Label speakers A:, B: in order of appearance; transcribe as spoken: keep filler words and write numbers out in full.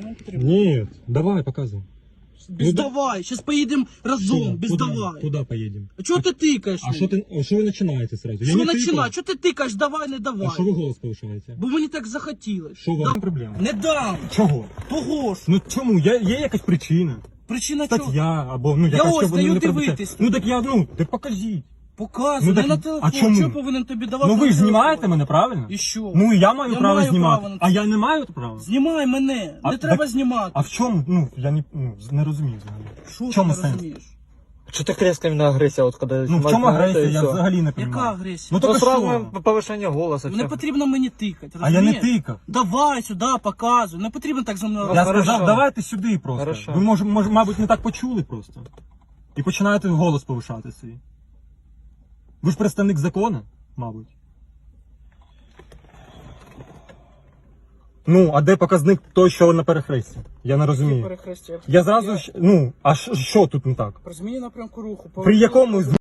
A: вам потрібно?
B: Нет, давай, показывай.
A: Без
B: Ну, да-
A: давай, сейчас поедем разом, без
B: куда,
A: давай.
B: Куда поедем?
A: А чого ти тикаєш?
B: А что ты, что вы начинаете сразу? Я
A: Що
B: не
A: починає?
B: тыкаю.
A: Чого ти тикаєш? Давай, не давай.
B: А что вы голос повышаете?
A: Бо мені так захотілось.
B: Що у вас проблема?
A: Не дам.
B: Чого?
A: Того ж.
B: Ну чому? Є, є якась причина?
A: Причина чого?
B: Стаття або ну яка,
A: ось
B: щоб вони
A: даю
B: не пробачають.
A: дивитись.
B: Ну так я, ну, так покажіть.
A: Показуй,
B: Ну,
A: не
B: так-
A: на телефон.
B: а чому?
A: Чого повинен тобі давати?
B: Ну ви
A: на
B: ж
A: телефон?
B: знімаєте мене, правильно?
A: І що?
B: Ну і я маю
A: Я
B: право
A: маю
B: знімати.
A: право на це.
B: А я не маю права?
A: Знімай мене,
B: А,
A: не треба
B: так-
A: знімати.
B: А в чому? Ну, я не, ну, не розумію взагалі.
A: Що
B: в
A: ти
B: чому
A: не
B: сенс?
A: розумієш?
C: Что так резко именно агрессия, вот когда
B: Ну в
C: снимают
B: чому
C: на это,
B: агресія?
C: и
B: Я
C: всё.
B: взагалі не
A: Яка
B: розумію.
A: агресія?
B: Ну
C: Ну,
B: так
C: сразу
B: що?
C: повышение голоса.
A: Не
C: всё.
A: потрібно мені тикати,
B: А я не
A: розумієш?
B: тикав.
A: Давай сюди, показуй. Не потрібно так за мною.
C: Ну,
B: Я
C: хорошо.
B: сказав, давайте сюди просто.
C: Хорошо.
B: Ви може, може, мабуть, не так почули просто. І починаєте голос повишати свій. Ви ж представник закону, мабуть. Ну, а де показник той, що на перехресті? Я не розумію.
A: Перехрестя.
B: Я зразу, ж- ну, а що- що тут не так?
A: При зміні напрямку руху.
B: При якому